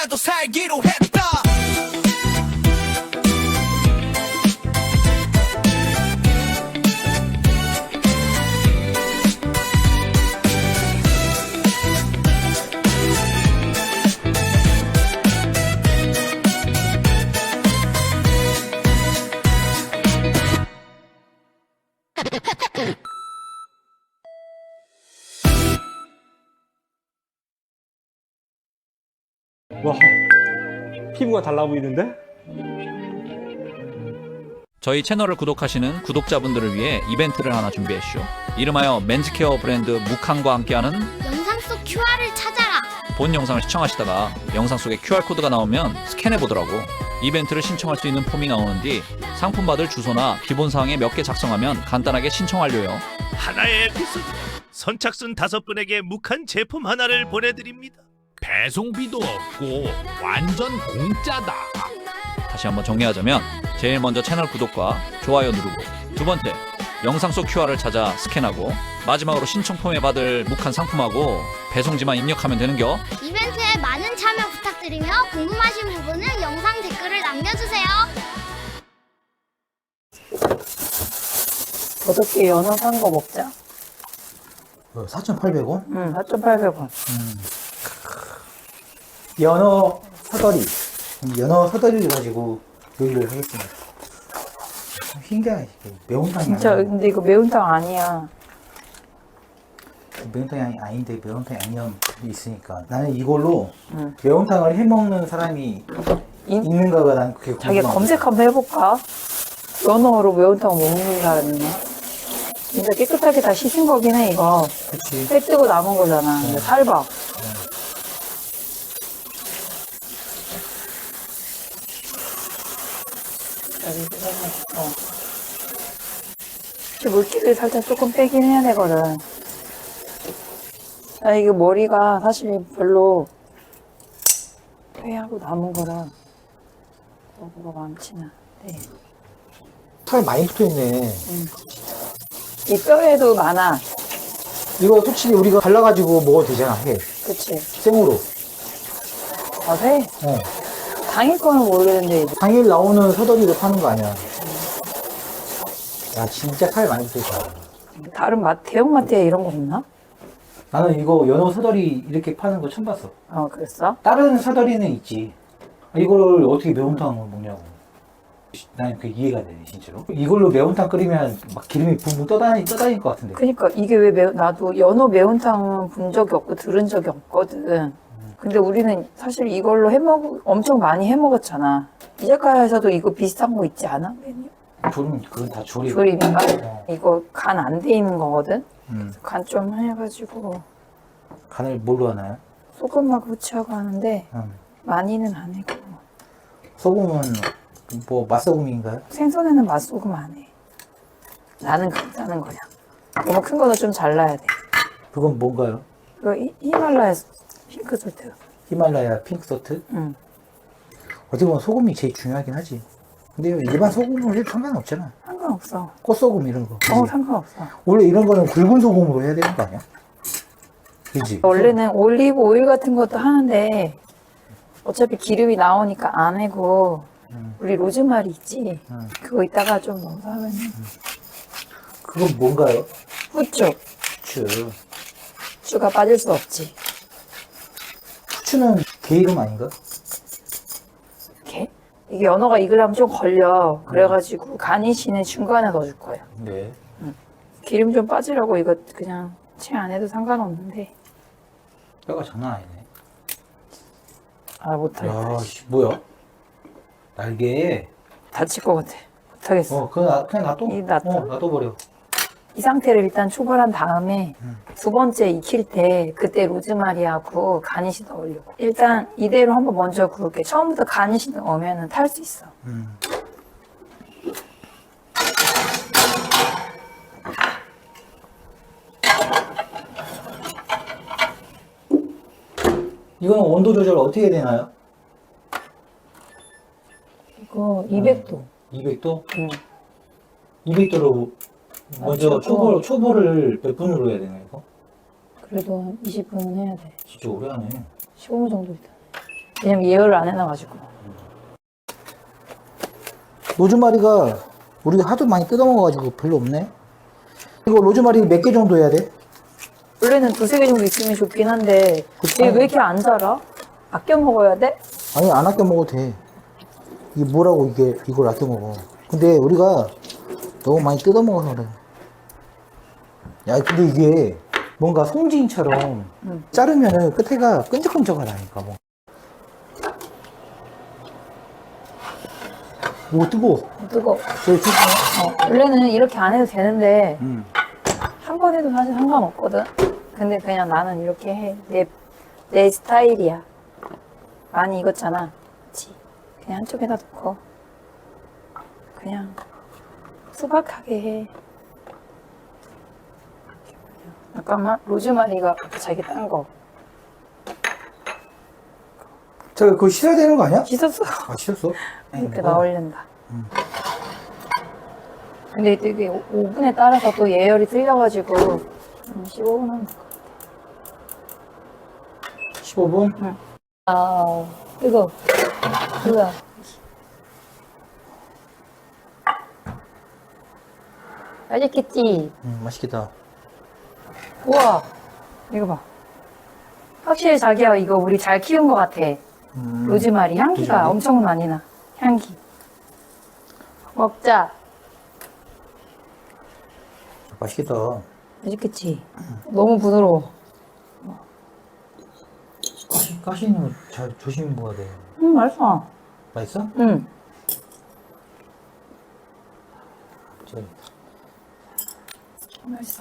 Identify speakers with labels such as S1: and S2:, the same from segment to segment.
S1: 나도 살기로 했다.
S2: 와, 피부가 달라 보이는데?
S3: 저희 채널을 구독하시는 구독자분들을 위해 이벤트를 하나 준비했쇼. 이름하여 맨즈케어 브랜드 무칸과 함께하는
S4: 영상 속 QR을 찾아라.
S3: 본 영상을 시청하시다가 영상 속에 QR코드가 나오면 스캔해보더라고. 이벤트를 신청할 수 있는 폼이 나오는 뒤 상품 받을 주소나 기본사항에 몇 개 작성하면 간단하게 신청 완료요.
S5: 하나의 에피소드 선착순 5분에게 묵한 제품 하나를 보내드립니다.
S6: 배송비도 없고 완전 공짜다.
S3: 다시 한번 정리하자면 제일 먼저 채널 구독과 좋아요 누르고, 두 번째 영상 속 QR을 찾아 스캔하고, 마지막으로 신청 폼에 받을 묵한 상품하고 배송지만 입력하면 되는겨.
S4: 이벤트에 많은 참여 부탁드리며 궁금하신 부분은 영상 댓글을 남겨주세요.
S7: 어저께 연어 산 거 먹자.
S8: 4,800원?
S7: 응, 4,800원.
S8: 연어 사다리. 연어 사다리를 가지고 요리를 하겠습니다. 신기하네. 매운탕이
S7: 진짜,
S8: 아니야.
S7: 근데 이거 매운탕 아니야.
S8: 매운탕이 아닌데 매운탕이 아니면 있으니까. 나는 이걸로
S7: 응.
S8: 매운탕을 해먹는 사람이 있는가가 난 그게
S7: 자기
S8: 궁금하다.
S7: 검색 한번 해볼까? 연어로 매운탕 먹는 사람이 있나? 진짜 깨끗하게 다 씻은 거긴 해, 이거.
S8: 그치.
S7: 회 뜨고 남은 거잖아. 근데 살봐. 물기를 살짝 조금 빼긴 해야 되거든. 아, 이게 머리가 사실 별로 회하고 남은 거라 뭐가 많지는 않대.
S8: 살 많이 붙어있네.
S7: 이 뼈에도 많아.
S8: 이거 솔직히 우리가 갈라가지고 먹어도 되잖아, 해.
S7: 그치?
S8: 생으로.
S7: 아, 회?
S8: 어.
S7: 당일 거는 모르겠는데, 이제.
S8: 당일 나오는 사다리로 파는 거 아니야. 야, 진짜 살 많이 붙어있다.
S7: 다른 대형 마트에 이런 거 없나?
S8: 나는 이거 연어 사다리 이렇게 파는 거 처음 봤어.
S7: 그랬어?
S8: 다른 사다리는 있지. 이거를 어떻게 매운탕을 먹냐고. 난 그게 이해가 되네, 진짜로. 이걸로 매운탕 끓이면 막 기름이 붕붕 떠다닐 것 같은데.
S7: 그니까 이게 왜 나도 연어 매운탕은 본 적이 없고 들은 적이 없거든. 근데 우리는 사실 이걸로 엄청 많이 해 먹었잖아. 이자카야에서도 이거 비슷한 거 있지 않아? 메뉴?
S8: 그건 다 조림.
S7: 조림인가?
S8: 어.
S7: 이거 간 안 돼 있는 거거든?
S8: 음.
S7: 간 좀 해가지고
S8: 간을 뭘로 하나요?
S7: 소금하고 후추하고 하는데 많이는 안 해. 그거.
S8: 소금은 뭐 맛소금인가요?
S7: 생선에는 맛소금 안 해. 나는 괜찮은 거야. 너무 큰 거는 좀 잘라야 돼.
S8: 그건 뭔가요?
S7: 이거 히말라야 핑크솔트.
S8: 히말라야 핑크소트?
S7: 응.
S8: 어떻게 보면 소금이 제일 중요하긴 하지. 근데 일반 소금은 해도 상관없잖아.
S7: 상관없어.
S8: 꽃소금 이런 거. 그치?
S7: 상관없어.
S8: 원래 이런 거는 굵은 소금으로 해야 되는 거 아니야? 그지?
S7: 원래는 올리브 오일 같은 것도 하는데 어차피 기름이 나오니까 안 해고 우리 로즈마리 있지? 그거 이따가 좀 넣어서 하면
S8: 그건 뭔가요?
S7: 후추.
S8: 후추.
S7: 후추가 빠질 수 없지.
S8: 후추는 게 이름 아닌가?
S7: 이렇게? 이게 연어가 익으려면 좀 걸려. 그래가지고 가니쉬는 중간에 넣어줄 거야.
S8: 네.
S7: 기름 좀 빠지라고 이거 그냥 채 안 해도 상관없는데.
S8: 뼈가 장난 아니네.
S7: 아, 못하겠다.
S8: 야, 씨, 뭐야? 날개.
S7: 다칠 것 같아. 못하겠어.
S8: 그냥 놔둬.
S7: 놔둬?
S8: 놔둬버려.
S7: 이 상태를 일단 초벌한 다음에 두 번째 익힐 때 그때 로즈마리하고 가니쉬 넣으려고. 일단 이대로 한번 먼저 구울게. 처음부터 가니쉬 넣으면 탈 수 있어.
S8: 이거는 온도 조절 어떻게 되나요?
S7: 이거 200도.
S8: 200도?
S7: 응.
S8: 200도로 먼저
S7: 초보.
S8: 초보를 몇 분으로 해야 되나 이거?
S7: 그래도 한 20분은 해야 돼.
S8: 진짜 오래 하네.
S7: 15분 정도 있다. 왜냐면 예열을 안 해놔가지고.
S8: 로즈마리가 우리가 하도 많이 뜯어먹어가지고 별로 없네. 이거 로즈마리 몇 개 정도 해야 돼?
S7: 원래는 2-3개 정도 있으면 좋긴 한데 얘 왜 이렇게 안 자라? 아껴 먹어야 돼?
S8: 아니 안 아껴 먹어도 돼. 이게 뭐라고 이걸 아껴 먹어. 근데 우리가 너무 많이 뜯어 먹어서 그래. 야 근데 이게 뭔가 송지인처럼 자르면은 끝에가 끈적끈적하다니까 뭐. 오 뜨거워.
S7: 뜨거워.
S8: 저기 조심.
S7: 원래는 이렇게 안 해도 되는데 한 번 해도 사실 상관없거든. 근데 그냥 나는 이렇게 해. 내 스타일이야. 많이 익었잖아. 그치? 그냥 한쪽에다 놓고 그냥 수박하게 해. 잠깐만. 로즈마리가 자기 딴 거.
S8: 저 그거 씻어야 되는 거 아니야?
S7: 씻었어.
S8: 아 씻었어?
S7: 이렇게 나올린다. 근데 되게 오븐에 따라서 또 예열이 틀려가지고 15분 하면 될 것 같아.
S8: 15분?
S7: 아, 뜨거. 뜨거. 맛있겠지?
S8: 맛있겠다.
S7: 우와, 이거 봐. 확실히 자기야, 이거 우리 잘 키운 것 같아. 로즈마리 향기가
S8: 로즈마리?
S7: 엄청 많이 나. 향기. 먹자.
S8: 맛있겠다.
S7: 맛있겠지? 너무 부드러워.
S8: 가시는 거 잘 조심히 먹어야 돼.
S7: 맛있어.
S8: 맛있어?
S7: 응.
S8: 저기.
S7: 맛있어.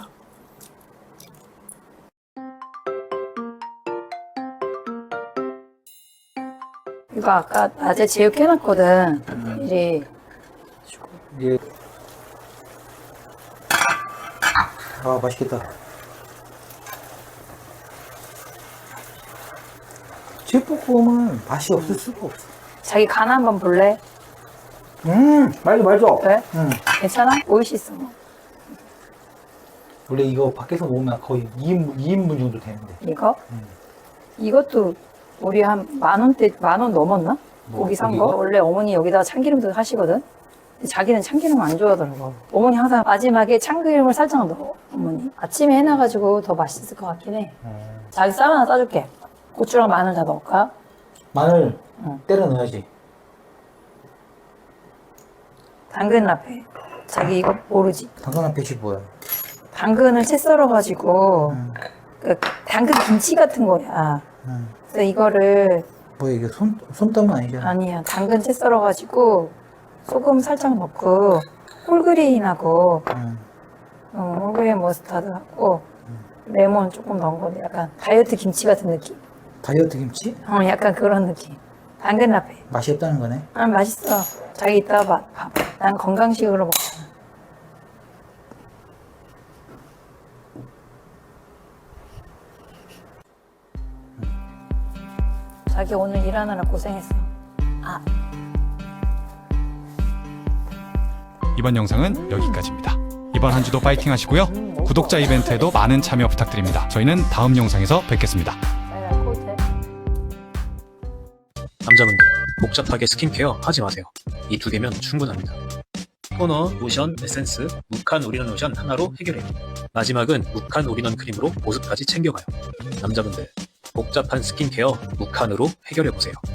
S7: 이거 아까 낮에 제육해놨거든. 미리.
S8: 이게 아 맛있겠다. 제육볶음은 맛이 없을 수가 없어.
S7: 자기 간 한번 볼래?
S8: 맛있어.
S7: 왜?
S8: 응.
S7: 괜찮아? 오이시어.
S8: 원래 이거 밖에서 먹으면 거의 2인분 정도 되는데.
S7: 이거? 이것도 우리 한 10,000원대, 10,000원 넘었나?
S8: 뭐,
S7: 고기 산 거?
S8: 고기가?
S7: 원래 어머니 여기다가 참기름도 하시거든? 근데 자기는 참기름 안 좋아하더라고. 어머니 항상 마지막에 참기름을 살짝 넣어, 어머니. 아침에 해놔가지고 더 맛있을 것 같긴 해. 자기 쌀 하나 싸줄게. 고추랑 마늘 다 넣을까?
S8: 마늘 때려 넣어야지.
S7: 당근 라페. 자기 이거 모르지?
S8: 당근한 패시 뭐야?
S7: 당근을 채 썰어가지고, 그 당근 김치 같은 거야. 그래서 이거를,
S8: 뭐야 이게 손땀은 아니잖아.
S7: 아니야. 당근 채 썰어가지고, 소금 살짝 넣고, 홀그레인하고, 홀그레인 머스타드 하고, 레몬 조금 넣은 거 약간 다이어트 김치 같은 느낌?
S8: 다이어트 김치?
S7: 약간 그런 느낌. 당근 라페.
S8: 맛이 없다는 거네.
S7: 아, 맛있어. 자기 이따가 봐. 난 건강식으로 먹잖아. 자기 오늘 일하느라 고생했어.
S1: 이번 영상은 여기까지입니다. 이번 한 주도 파이팅 하시고요. 구독자 이벤트에도 많은 참여 부탁드립니다. 저희는 다음 영상에서 뵙겠습니다.
S9: 남자분들 복잡하게 스킨케어 하지 마세요. 이 2개면 충분합니다. 토너, 로션, 에센스, 묵한 올인원 로션 하나로 해결해요. 마지막은 묵한 올인원 크림으로 보습까지 챙겨가요. 남자분들 복잡한 스킨케어 묵한으로 해결해보세요.